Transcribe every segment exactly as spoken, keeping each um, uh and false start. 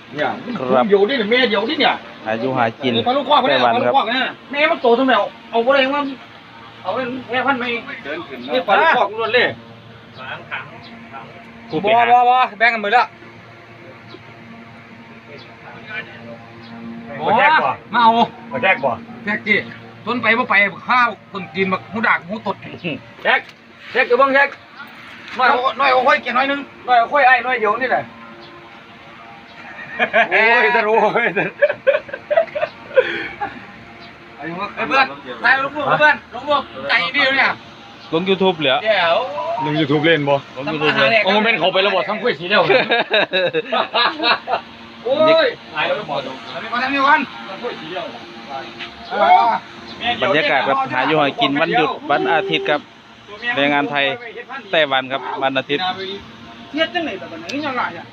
เนี่ยเดี๋ยวนี่เนี่ยแม่เดี๋ยวนี่เนี่ยอายุหากินปลาลูกคอกไต้หวันครับแม่มันโตทำไมเอาเอาอะไรมาเอาเป็นแม่พันธุ์ไม่นี่ปลาลูกคอกล้วนเลยบ่บ่บ่แบ่งกันหมดแล้วบ่มาเอาบ่แจกบ่แจกกี่ต้นไปบ่ไปข้าวต้นกินบักหูดากหูตดแจกแจกอยู่บ้างแจกน้อยน้อยเอาค่อยกินน้อยนึงน้อยเอาค่อยไอ้น้อยเดียวนี่แหละโอ้ยจะรู้เฮ้ยเพื่อนตายลูกเพื่อนลูกลูกใจดีเนี่ยลงยูทูบเหรอเดี๋ยวลงยูทูบเล่นบ่ลงยูทูบเลยโอ้มันเป็นเขาไประบบทั้งคุยสีเดียวโอ้ยตายแล้วหมดทำนี่ก่อนทำนี่ก่อนคุยสีเดียวบรรยากาศแบบหาอยู่หากินวันหยุดวันอาทิตย์ครับแรงงานไทยไต้หวันครับวันอาทิตย์เทียดจังไหนแต่แบบนี้ยังไงอ่ะ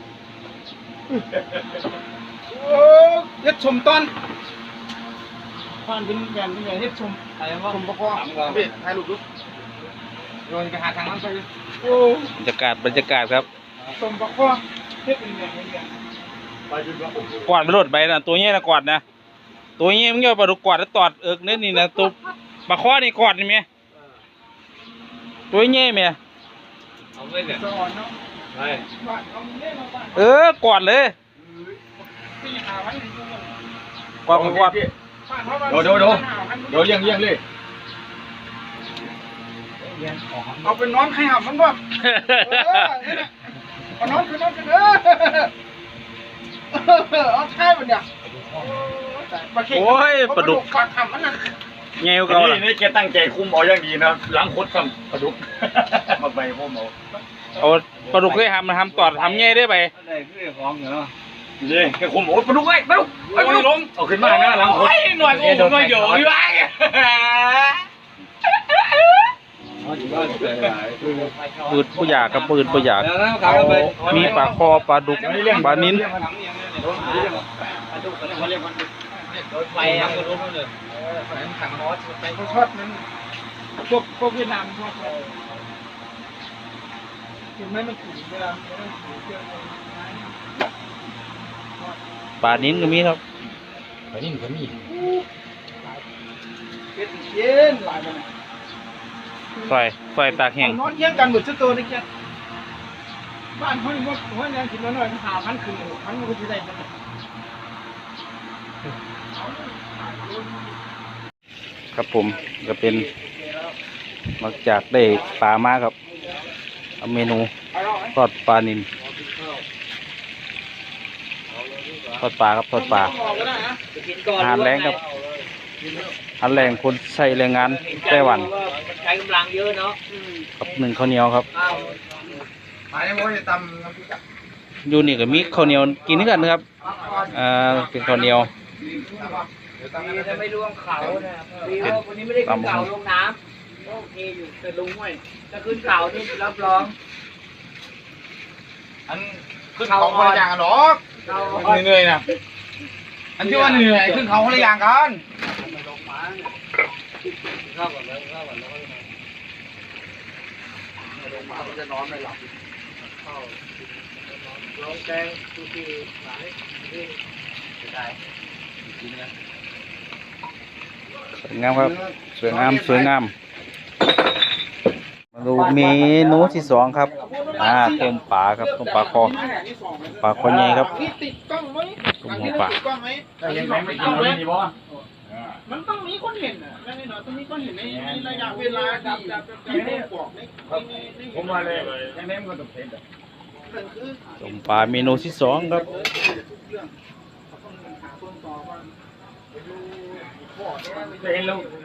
โอ้เฮ็ดชมต้นผ่านเป็นแบนเป็นแบนเฮ็ดชมอะไรวะชมประกอบพี่ถ่ายรูปดูโยนไปหาทางนั้นไปโอ้บรรยากาศบรรยากาศครับชมประกอบเฮ็ดเป็นแบนเป็นแบนกวาดไปรถไปนะตัวเงี้ยนะกวาดนะตัวเงี้ยมึงอย่าปลาดุกกวาดแล้วตอดเอิกนี่นี่นะตัวปลาข้อนี่กวาดนี่เมียตัวเงี้ยเมียเออกวาดเลยกวาดกวาดโดโดโดโดเลี้ยงเลี้ยงเลยเอาเป็นน้องใครหับมันบ้างเอาน้องคือน้องกันเออเอาใช่มันเนี่ยโอ้ยปลาดุกปลาทำมันนั่นเงี้ยเขาล่ะนี่แกตั้งใจคุมเอาอย่างดีนะล้างคดทำปลาดุกมาใบพวกเอาเอาปลาดุกเคยทำมาทำตอดทำเงี้ยได้ไปได้คือของอยู่เนาะนี่แกคุมโอ้ปลาดุกไอ้ปลาดุกไอ้ปลาดุกเอาขึ้นมาหน้าล้างคดหน่อยกูหน่อยเดี๋ยวอยู่ไอ้ปืนผู้อยากกับปืนผู้อยากมีปลาคอปลาดุกปลานิ้นไปยังก็รู้เลยถังมอสไปเขาชอบนั้นพวกพวกเวียดนามชอบเห็นไหมมันถึงเวลาปลานิ้นก็มีครับปลานิ่มก็มีเป็นเย็นหลายวันไฟไฟตากแห้งนอนเยี่ยงกันหมดชุดตัวนี่แกบ้านเขาเนี่ยว่าเขาเนี่ยกินน้อยๆหาพันคืนพันมันก็จะได้ครับผมก็เป็นมาจากได้ปลามาครับเมนูทอดปลานิลทอดปลาครับทอดปลาอาหารแรงครับอาหารแรงคนใช้แรงงานไต้หวันใช้กำลังเยอะเนาะครับหนึ่งข้าวเหนียวครับอยู่นี่ก็มีข้าวเหนียวกินกันนะครับอ่าเป็นข้าวเหนียวไม่รวมเขาเนี่ยวันนี้ไม่ได้ขึ้นเขาลงน้ำโอเคอยู่แต่ลงห้วยถ้าขึ้นเขานี่รับรองอันขึ้นเขาคนละอย่างกันหรอกเหนื่อยนะอันที่ว่าเหนื่อยขึ้นเขาคนละอย่างกันข้าวก่อนแล้วข้าวก่อนแล้วลงมามันจะนอนไม่หลับข้าวร้องแกงทุกทีหลายที่ได้จริงนะสวยงามครับสวยงามสวยงามมาดูเมนูที่สองครับอ่าต้มปลาครับต้มปลาคอปลาคอใหญ่ครับต้มหัวปลามันต้องมีคนเห็นอ่ะแม่นี่หน่อยต้องมีคนเห็นในระยะเวลาดับดับดับที่บอกในผมมาเลยยังไงมันก็ต้องเผ็ดต้มปลาเมนูที่สองครับเห็นแล้ว